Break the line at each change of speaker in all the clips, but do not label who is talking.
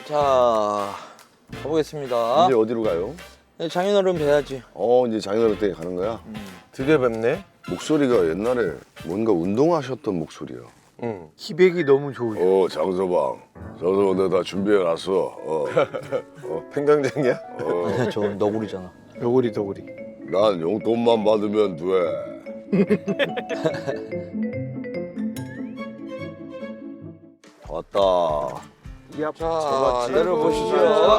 자, 가보겠습니다.
이제 어디로 가요?
장인어른 뵈야지.
이제 장인어른 댁에 가는 거야?
드디어 뵙네.
목소리가 옛날에 뭔가 운동하셨던 목소리야.
응.
기백이 너무 좋으셔.
장서방 내가 다 준비해놨어.
팽강쟁이야?
저 너구리잖아.
너구리.
난 용돈만 받으면 돼. 왔다.
자, 내려보시죠.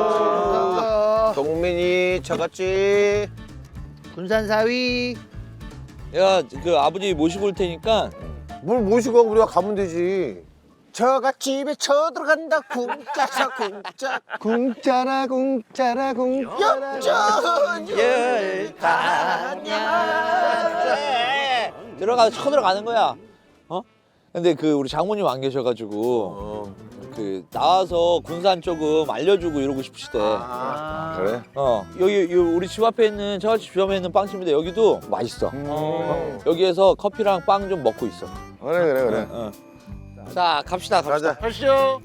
동민이 저같지.
군산사위.
야, 그 아버지 모시고 올 테니까
뭘 모시고 우리가 가면 되지. 저가 집에 쳐들어간다 궁짜자 궁짜 궁짜라 궁짜라 궁짜라
들어가서 쳐들어가는 거야. 근데 그 우리 장모님 안 계셔가지고 그 나와서 군산 조금 알려주고 이러고 싶으시대.
그래?
여기 우리 집 앞에 있는 저집 주점에 있는 빵집인데 여기도 맛있어. 여기에서 커피랑 빵 좀 먹고 있어.
그래.
자, 갑시다.
가자.
가시죠.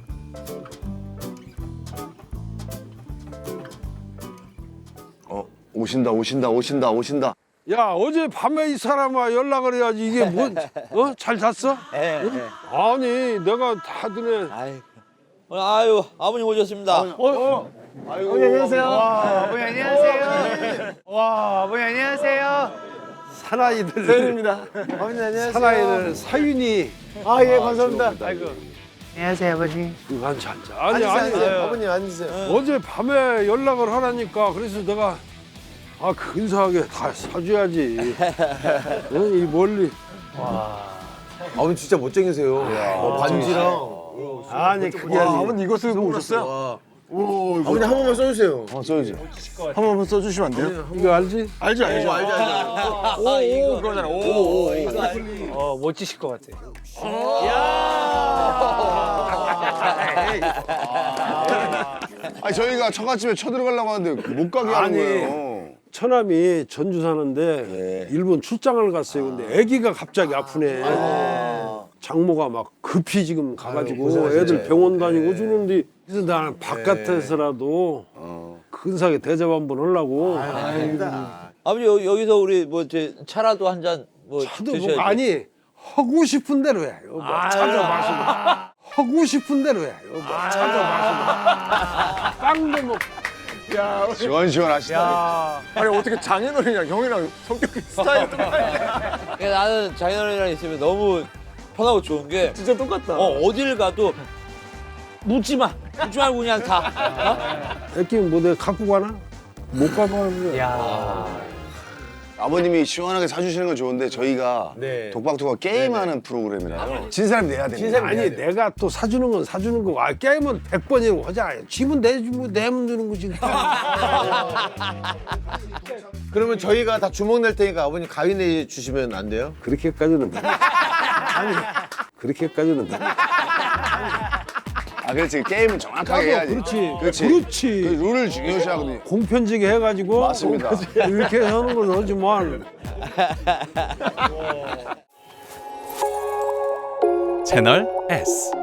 오신다.
야, 어제 밤에 이 사람아 연락을 해야지. 이게 뭐, 잘 잤어? 아니, 내가 다들
아유, 아버님 오셨습니다.
어머니 안녕하세요. 어머니 안녕하세요. 와, 어머니 안녕하세요.
사나이들.
세윤입니다. 어머니 안녕하세요.
사나이들 사윤이.
아, 예, 감사합니다.
아이고. 안녕하세요, 아버지.
앉아. 아니,
앉으세요. 어머님 앉으세요.
어제 밤에 연락을 하라니까. 그래서 내가, 근사하게 다 사줘야지. 이 멀리.
어머니 진짜 못쟁이세요. 반지랑.
아니, 그게 아니고.
어머니 이거 쓰고 오셨어요? 어머니 한 번만 써주세요. 써야지. 한 번만 써주시면 안 돼요?
이거 알지?
알죠. 오, 그러잖아. 오.
멋지실 것 같아.
저희가 처갓집에 쳐들어가려고 하는데 못 가게 하는 거예요.
처남이 전주 사는데 일본 출장을 갔어요. 근데 아기가 갑자기 아프네. 장모가 막 급히 지금 가가지고 애들 병원 다니고 주는데 그래서 나는 바깥에서라도 근사하게 대접 한번 하려고.
아버지 여기서 우리 뭐 이제 차라도 한 잔 뭐
차도
드셔야지.
뭐 아니 하고 싶은 대로 해. 뭐 차도 마시고 하고 싶은 대로 해. 뭐 차도 마시고 빵도 먹고.
시원시원하시다.
아니 어떻게 장인어른이랑 형이랑 성격이 스타일이 똑같냐?
그러니까 나는 장인어른이랑 있으면 너무 편하고 좋은 게
진짜 똑같다.
어딜 가도 묻지 말고 그냥 가.
애기 뭐 내가 갖고 가나? 못 가면 그래.
아버님이 시원하게 사주시는 건 좋은데 저희가 독박토가 게임하는 프로그램이라요. 진 사람이 내야 됩니다.
아니 내가 또 사주는 건 사주는 거고 게임은 100번이라고 하자. 집은 내주고 내면 주는 거지.
그러면 저희가 다 주먹 낼 테니까 아버님 가위 내 주시면 안 돼요?
그렇게까지는 아니 그렇게까지는
그렇지. 게임은 정확하게 해야지.
그렇지.
그 룰을 중요시하거든요.
공편지게 해가지고
맞습니다.
이렇게 하는 건 하지만
채널 S